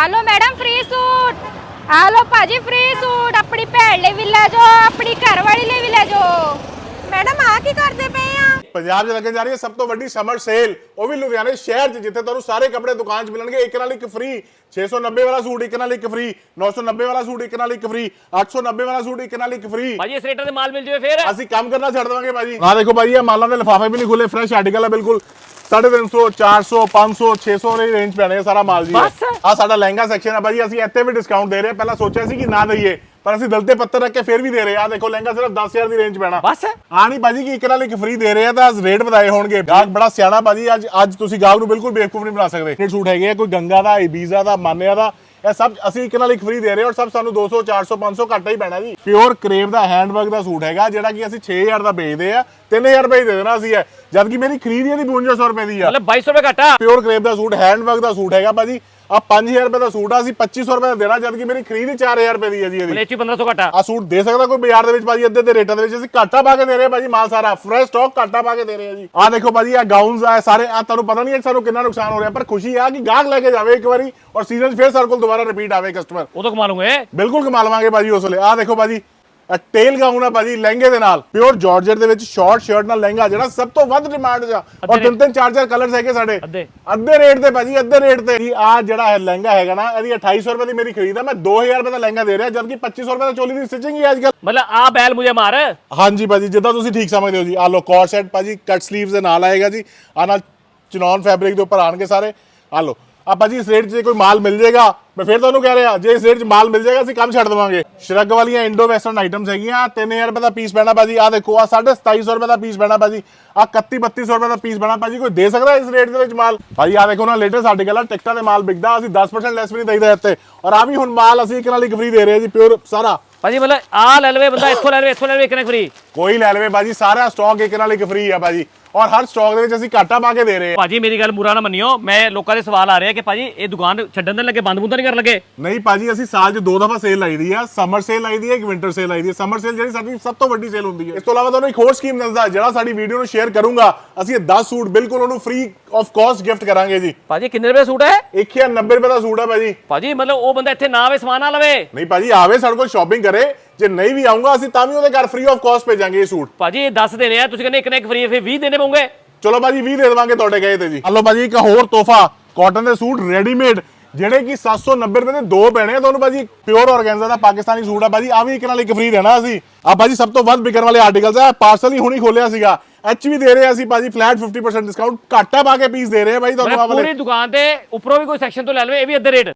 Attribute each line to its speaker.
Speaker 1: ਆ ਲੋ madam free suit, ਆ ਲੋ ਭਾਜੀ ਫ੍ਰੀ ਸੂਟ, ਆਪਣੀ ਭੈਣ ਲਈ ਵੀ ਲੈ ਜਾਓ, ਆਪਣੀ ਘਰਵਾਲੀ ਲਈ ਵੀ ਲੈ ਜਾਓ। ਮੈਡਮ ਆ ਕੀ ਕਰਦੇ ਪਏ ਆ?
Speaker 2: ਪੰਜਾਬ 'ਚ ਲੱਗਣ ਜਾ ਰਹੀ ਹੈ ਸਭ ਤੋਂ ਵੱਡੀ ਸਮਰ ਸੇਲ, ਉਹ ਵੀ ਲੁਧਿਆਣੇ ਸ਼ਹਿਰ 'ਚ, ਜਿੱਥੇ ਤੁਹਾਨੂੰ ਸਾਰੇ ਕੱਪੜੇ ਦੁਕਾਨ 'ਚ ਮਿਲਣਗੇ ਇੱਕ ਨਾਲ ਇੱਕ ਫ੍ਰੀ। 690 ਵਾਲਾ ਸੂਟ ਇੱਕ ਨਾਲ ਇੱਕ ਫ੍ਰੀ, 990 ਵਾਲਾ ਸੂਟ ਇੱਕ ਨਾਲ ਇੱਕ ਫ੍ਰੀ, 890 ਵਾਲਾ ਸੂਟ ਇੱਕ ਨਾਲ ਇੱਕ ਫ੍ਰੀ।
Speaker 3: ਭਾਜੀ ਇਸ ਰੇਟਾਂ ਦੇ ਮਾਲ ਮਿਲ ਜਾਵੇ ਫਿਰ
Speaker 2: ਅਸੀਂ ਕੰਮ ਕਰਨਾ ਛੱਡ ਦੇਵਾਂਗੇ ਭਾਜੀ। ਆਹ ਦੇਖੋ ਭਾਜੀ, ਇਹ ਮਾਲਾਂ ਦੇ ਲਿਫਾਫੇ ਵੀ ਨਹੀਂ ਖੁੱਲੇ, ਫਰੈਸ਼ ਆਰਟੀਕਲ ਹੈ ਬਿਲਕੁਲ। 350, 400, 500, 600 ਦੇ ਰੇਂਜ ਪੈਣੇ ਸਾਰਾ ਮਾਲ ਜੀ। ਆ ਸਾਡਾ ਲਹਿੰਗਾ ਸੈਕਸ਼ਨ ਹੈ ਭਾਜੀ, ਅਸੀਂ ਇੱਥੇ ਵੀ ਡਿਸਕਾਊਂਟ ਦੇ ਰਹੇ ਹਾਂ। ਪਹਿਲਾਂ ਸੋਚਿਆ ਸੀ ਕਿ ਨਾ ਦਈਏ, ਪਰ ਅਸੀਂ ਦਿਲ ਤੇ ਪੱਤਰ ਰੱਖ ਕੇ ਫਿਰ ਵੀ ਦੇ ਰਹੇ ਆ। ਦੇਖੋ ਲਹਿੰਗਾ ਸਿਰਫ 10000 ਦੀ ਰੇਂਜ ਪੈਣਾ
Speaker 3: ਬਸ।
Speaker 2: ਆ ਨਹੀਂ ਭਾਜੀ ਕਿ ਇੱਕ ਨਾਲ ਇੱਕ ਫ੍ਰੀ ਦੇ ਰਹੇ ਆ ਤਾਂ ਰੇਟ ਵਧਾਏ ਹੋਣਗੇ। ਗਾਹਕ ਬੜਾ ਸਿਆਣਾ ਭਾਜੀ, ਅੱਜ ਤੁਸੀਂ ਗਾਹਕ ਨੂੰ ਬਿਲਕੁਲ ਬੇਵਕੂਫ ਨਹੀਂ ਬਣਾ ਸਕਦੇ। ਇਹ ਸੂਟ ਹੈਗੇ ਆ ਕੋਈ ਗੰਗਾ ਦਾ, ਇਬੀਜ਼ਾ ਦਾ, ਮਾਨਿਆ ਦਾ, ਇਹ ਸਭ ਅਸੀਂ ਇੱਕ ਨਾਲ ਇੱਕ ਫ੍ਰੀ ਦੇ ਰਹੇ ਹਾਂ ਔਰ ਸਭ ਸਾਨੂੰ 200, 400, 500 ਘੱਟ ਹੀ ਪੈਣਾ ਜੀ। ਪਿਓਰ ਕਰੇਵ ਦਾ ਹੈਂਡਵਰਕ ਦਾ ਸੂਟ ਹੈਗਾ, ਜਿਹੜਾ ਕਿ ਅਸੀਂ 6000 ਦਾ ਵੇਚਦੇ ਆ, 3000 ਰੁਪਏ ਹੀ ਦੇ ਦੇਣਾ ਅਸੀਂ ਹੈ, ਜਦ ਕਿ ਮੇਰੀ ਖਰੀਦ ਇਹਦੀ 5200 ਰੁਪਏ ਦੀ ਆ।
Speaker 3: ਮਤਲਬ 2200 ਰੁਪਏ ਘਟਾ।
Speaker 2: ਪਿਓਰ ਕਰੇਵ ਦਾ ਸੂਟ, ਹੈਂਡਵਰਕ ਦਾ ਸੂਟ ਹੈਗਾ ਭਾਜੀ। ਆ 5000 ਰੁਪਏ ਦਾ ਸੂਟ ਆ, ਅਸੀਂ 2500 ਰੁਪਏ ਦਾ ਦੇਣਾ, ਜਦ ਕਿ ਮੇਰੀ ਖਰੀਦ ਹੀ 4000 ਰੁਪਏ ਦੀ ਹੈ ਜੀ। ਇਹਦੀ
Speaker 3: ਮਲੇਚੀ 1500 ਘਟਾ।
Speaker 2: ਆ ਸੂਟ ਦੇ ਸਕਦਾ ਕੋਈ ਬਾਜ਼ਾਰ ਦੇ ਵਿੱਚ ਭਾਜੀ ਅੱਧੇ ਦੇ ਰੇਟਾਂ ਦੇ ਵਿੱਚ? ਅਸੀਂ ਘਾਟਾ ਪਾ ਕੇ ਦੇ ਰਹੇ ਹਾਂ ਭਾਜੀ, ਮਾਲ ਸਾਰਾ ਫਰੈਸ਼ ਸਟਾਕ ਘਾਟਾ ਪਾ ਕੇ ਦੇ ਰਹੇ ਹਾਂ ਜੀ। ਆ ਦੇਖੋ ਭਾਜੀ, ਆ ਗਾਊਨਸ ਆ ਸਾਰੇ, ਆ ਤੁਹਾਨੂੰ ਪਤਾ ਨਹੀਂ ਹੈ ਸਾਨੂੰ ਕਿੰਨਾ ਨੁਕਸਾਨ ਹੋ ਰਿਹਾ, ਪਰ ਖੁਸ਼ੀ ਆ ਕਿ ਗਾਹਕ ਲੈ ਕੇ ਜਾਵੇ ਇੱਕ ਵਾਰੀ ਔਰ ਸੀਜ਼ਨ ਫਿਰ ਸਾਡੇ ਕੋਲ ਦੁਬਾਰਾ ਰਿਪੀਟ ਆਵੇ ਕਸਟਮਰ।
Speaker 3: ਉਹ ਤਾਂ ਕਮਾ ਲੂੰਗੇ,
Speaker 2: ਬਿਲਕੁਲ ਕਮਾ ਲਵਾਂਗੇ ਭਾਜੀ ਉਸ ਵੇਲੇ। ਆ ਦੇਖੋ ਭਾਜੀ, ਟੇਲ ਗਾਊਨ ਆ ਭਾਜੀ ਲਹਿੰਗੇ ਦੇ ਨਾਲ, ਪਿਓਰ ਜਾਰਜਟ ਦੇ ਵਿੱਚ ਸ਼ਾਰਟ ਸ਼ਰਟ ਨਾਲ ਲਹਿੰਗਾ, ਜਿਹੜਾ ਸਭ ਤੋਂ ਵੱਧ ਡਿਮਾਂਡ 'ਚ ਆ ਔਰ 3-3, 4-4 ਕਲਰਸ ਹੈਗੇ ਸਾਡੇ। ਅੱਧੇ ਰੇਟ ਤੇ ਭਾਜੀ, ਅੱਧੇ ਰੇਟ ਤੇ ਜੀ। ਆ ਜਿਹੜਾ ਹੈ ਲਹਿੰਗਾ ਹੈਗਾ ਨਾ, ਇਹਦੀ 2800 ਰੁਪਏ ਦੀ ਮੇਰੀ ਖਰੀਦ ਆ, ਮੈਂ 2000 ਰੁਪਏ ਦਾ ਲਹਿੰਗਾ ਦੇ ਰਿਹਾ, ਜਦਕਿ 2500 ਰੁਪਏ ਦਾ ਚੋਲੀ ਦੀ ਸਟਿਚਿੰਗ ਹੀ ਅੱਜ ਕੱਲ।
Speaker 3: ਮਤਲਬ ਆ ਬੈਲ ਮੁਝੇ ਮਾਰ।
Speaker 2: ਹਾਂਜੀ ਭਾਜੀ, ਜਿੱਦਾਂ ਤੁਸੀਂ ਠੀਕ ਸਮਝਦੇ ਹੋ ਜੀ। ਆ ਲੋ ਕੋਟ ਸੈਟ ਭਾਜੀ, ਕੱਟ ਸਲੀਵਸ ਦੇ ਨਾਲ ਆਏਗਾ ਜੀ। ਆ ਨਾਲ ਚਨੌਨ ਫੈਬਰਿਕ ਦੇ ਉੱਪਰ ਆਣਗੇ ਸਾਰੇ। ਆ ਲੋ ਆ ਭਾਜੀ, ਇਸ ਰੇਟ 'ਚ ਕੋਈ ਮਾਲ ਮਿਲ ਜਾਏਗਾ, ਮੈਂ ਫਿਰ ਤੁਹਾਨੂੰ ਕਹਿ ਰਿਹਾ, ਜੇ ਇਸ ਰੇਟ 'ਚ ਮਾਲ ਮਿਲ ਜਾਏਗਾ ਅਸੀਂ ਕੰਮ ਛੱਡ ਦੇਵਾਂਗੇ। ਸ਼ਰਗ ਵਾਲੀਆਂ ਇੰਡੋ ਵੈਸਟਰਨ ਆਈਟਮਸ ਹੈਗੀਆਂ, 3000 ਰੁਪਏ ਦਾ ਪੀਸ ਪੈਣਾ ਭਾਜੀ। ਆ ਦੇਖੋ, ਆ 2750 ਰੁਪਏ ਦਾ ਪੀਸ ਪੈਣਾ ਭਾਜੀ। ਆ 31-3200 ਰੁਪਏ ਦਾ ਪੀਸ ਪੈਣਾ ਭਾਜੀ। ਕੋਈ ਦੇ ਸਕਦਾ ਇਸ ਰੇਟ ਦੇ ਵਿੱਚ ਮਾਲ? ਭਾਜੀ ਆ ਦੇਖੋ ਨਾ, ਲੇਟੈਸਟ ਸਾਡੇ ਕੋਲ ਟਿਕਟਾਂ ਦੇ ਮਾਲ ਵਿਕਦਾ, ਅਸੀਂ 10% ਲੈਸ ਵੀ ਨਹੀਂ ਦੇਈਦਾ ਇੱਥੇ। ਔਰ ਆ ਵੀ ਹੁਣ ਮਾਲ ਅਸੀਂ ਇੱਕ ਨਾਲ ਇੱਕ ਫ੍ਰੀ ਦੇ ਰਹੇ ਹਾਂ ਜੀ, ਪਿਓਰ ਸਾਰਾ
Speaker 3: ਭਾਜੀ। ਮਤਲਬ ਆ ਲੈ ਲਵੇ ਬੰਦਾ, ਇੱਥੋਂ ਲੈ ਲਵੇ, ਇੱਥੋਂ ਲੈ ਲਵੇ, ਇੱਕ ਨਾਲ ਫ੍ਰੀ।
Speaker 2: ਕੋਈ ਲੈ ਲਵੇ ਭਾਜੀ, ਸਾਰਾ ਸਟਾਕ ਇੱਕ ਨਾਲ ਇੱਕ ਫ੍ਰੀ ਆ ਭਾਜੀ, ਔਰ ਹਰ ਸਟਾਕ ਦੇ ਵਿੱਚ ਅਸੀਂ ਘਾਟਾ ਪਾ ਕੇ ਦੇ ਰਹੇ ਹਾਂ।
Speaker 3: ਭਾਜੀ ਮੇਰੀ ਗੱਲ ਬੁਰਾ ਨਾ ਮੰਨਿਓ, ਮੈਂ ਲੋਕਾਂ ਦੇ ਸਵਾਲ ਆ ਰਿਹਾ ਕਿ ਭਾਜੀ ਇਹ ਦੁਕਾਨ ਛੱਡਣ ਦੇ ਲੱਗੇ, ਬੰਦ ਬੁੰਦ ਨਹੀਂ ਕਰਨ ਲੱਗੇ।
Speaker 2: ਨਹੀਂ ਭਾਜੀ, ਅਸੀਂ ਸਾਲ 'ਚ 2 ਦਫਾ ਸੇਲ ਲਾਈ ਦੀ ਆ। ਸਮਰ ਸੇਲ ਲਾਈ ਦੀ ਹੈ, ਇੱਕ ਵਿੰਟਰ ਸੇਲ ਲਾਈ ਦੀ ਹੈ। ਸਮਰ ਸੇਲ ਜਿਹੜੀ ਸਾਡੀ ਸਭ ਤੋਂ ਵੱਡੀ ਸੇਲ ਹੁੰਦੀ ਹੈ। ਇਸ ਤੋਂ ਇਲਾਵਾ ਤੁਹਾਨੂੰ ਇੱਕ ਹੋਰ ਸਕੀਮ ਦੱਸਦਾ, ਜਿਹੜਾ ਸਾਡੀ ਵੀਡੀਓ ਨੂੰ ਸ਼ੇਅਰ ਕਰੂੰਗਾ, ਅਸੀਂ ਇਹ 10 ਸੂਟ ਬਿਲਕੁਲ ਉਹਨੂੰ ਫ੍ਰੀ ਆਫ ਕਾਸਟ ਗਿਫਟ ਕਰਾਂਗੇ ਜੀ।
Speaker 3: ਭਾਜੀ ਕਿੰਨੇ ਰੁਪਏ ਸੂਟ ਹੈ?
Speaker 2: 1090 ਰੁਪਏ ਦਾ ਸੂਟ ਹੈ ਭਾਜੀ।
Speaker 3: ਭਾਜੀ ਮਤਲਬ ਉਹ ਬੰਦਾ ਇੱਥੇ ਨਾ ਆਵੇ, ਸਮਾਨ ਨਾ ਲਵੇ?
Speaker 2: ਨਹੀਂ ਭਾਜੀ, ਆਵੇ ਸਾਡੇ ਕੋਲ ਸ਼ਾਪਿੰਗ ਕਰੇ, ਜੇ ਨਹੀਂ ਵੀ ਆਉਂਗਾ ਅਸੀਂ ਤਾਂ ਵੀ ਉਹਦੇ ਘਰ ਫ੍ਰੀ ਆਫ ਕਾਸਟ ਭੇਜਾਂਗੇ ਇਹ ਸੂਟ।
Speaker 3: ਭਾਜੀ ਇਹ 10 ਦੇਣੇ ਆ, ਤੁਸੀਂ ਕਹਿੰਦੇ ਇੱਕ ਨਾ ਇੱਕ ਫ੍ਰੀ, ਫਿਰ 20 ਦੇਣੇ ਪਊਗੇ।
Speaker 2: ਚਲੋ ਭਾਜੀ 20 ਦੇ ਦੇਵਾਂਗੇ ਤੁਹਾਡੇ ਕਹੇ ਤੇ ਜੀ। ਹਲੋ ਭਾਜੀ, ਇੱਕ ਹੋਰ ਤੋਹਫਾ, ਕਾਟਨ ਦੇ ਸੂਟ ਰੈਡੀਮੇਡ, ਜਿਹੜੇ ਕਿ 790 ਰੁਪਏ ਦੇ 2 ਪੈਣੇ ਆ ਤੁਹਾਨੂੰ ਭਾਜੀ। ਪਿਓਰ ਆਰਗੈਂਜ਼ਾ ਦਾ ਪਾਕਿਸਤਾਨੀ ਸੂਟ ਆ ਭਾਜੀ, ਆ ਵੀ ਇੱਕ ਨਾਲ ਇੱਕ ਫ੍ਰੀ ਦੇਣਾ ਅਸੀਂ। ਆ ਭਾਜੀ ਸਭ ਤੋਂ ਵੱਧ ਵਿਕਣ ਵਾਲੇ ਆਰਟੀਕਲਸ ਆ, ਪਾਰਸਲ ਹੀ ਹੁਣੀ ਖੋਲਿਆ ਸੀਗਾ। ਵੀ ਦੇ ਰਹੇ ਅਸੀਂ ਭਾਜੀ ਫਲੈਟ 50% ਡਿਸਕਾਊਂਟ, ਘਾਟਾ ਪਾ ਕੇ ਪੀਸ ਦੇ ਰਹੇ ਆ ਭਾਈ ਤੁਹਾਨੂੰ।
Speaker 3: ਪੂਰੀ ਦੁਕਾਨ ਤੇ ਉੱਪਰੋਂ ਵੀ ਕੋਈ ਸੈਕਸ਼ਨ ਤੋਂ ਲੈ ਲਵੇ, ਇਹ ਵੀ ਅੱਧੇ ਰੇਟ।